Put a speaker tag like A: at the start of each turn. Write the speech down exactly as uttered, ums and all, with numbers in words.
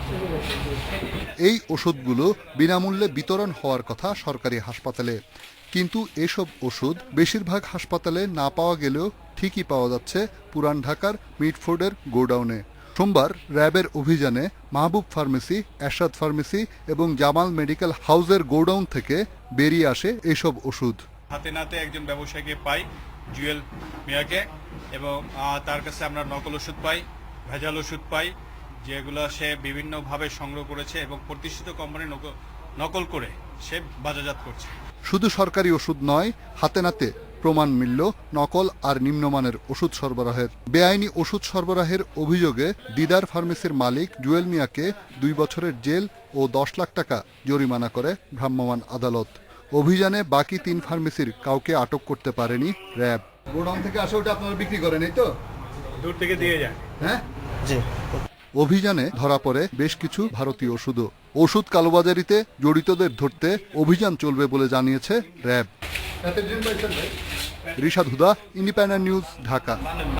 A: এই ওষুধগুলো বিনামূল্যে বিতরণ হওয়ার কথা সরকারি হাসপাতালে, কিন্তু এসব ওষুধ বেশিরভাগ হাসপাতালে না পাওয়া গেলেও ঠিকই পাওয়া যাচ্ছে পুরান ঢাকার মিটফোর্ডের গোডাউনে। সোমবার র্যাবের অভিযানে মাহবুব ফার্মেসি, এরশাদ ফার্মেসি এবং জামাল মেডিকেল হাউসের গোডাউন থেকে বেরিয়ে আসে এসব ওষুধ।
B: হাতে নাতে একজন ব্যবসায়ীকে পাই, জুয়েল মিয়াকে, এবং তার কাছে আমরা নকল ওষুধ পাই, ভেজাল ওষুধ পাই, যেগুলো সে বিভিন্নভাবে সংগ্রহ করেছে এবং প্রতিষ্ঠিত কোম্পানি নকল করে সে বাজারজাত করছে।
A: শুধু সরকারি ওষুধ নয়, হাতে নাতে প্রমাণ মিলল নকল আর নিম্নমানের ওষুধ সরবরাহের। বেআইনি ওষুধ সরবরাহের অভিযোগে দিদার ফার্মেসির মালিক জুয়েল মিয়াকে দুই বছরের জেল ও দশ লাখ টাকা জরিমানা করে ভ্রাম্যমাণ আদালত। অভিযানে বাকি তিন ফার্মেসির কাউকে আটক করতে পারেনি র্যাব। গোডাউন থেকে আসে ওটা আপনারা বিক্রি করেন, এই তো?
B: দূর থেকে দিয়ে যায়।
A: হ্যাঁ,
C: জি।
A: অভিযানে ধরা পড়ে বেশ কিছু ভারতীয় ওষুধও। ওষুধ কালোবাজারিতে জড়িতদের ধরতে অভিযান চলবে বলে জানিয়েছে RAB. Rishad Huda, Independent News, Dhaka.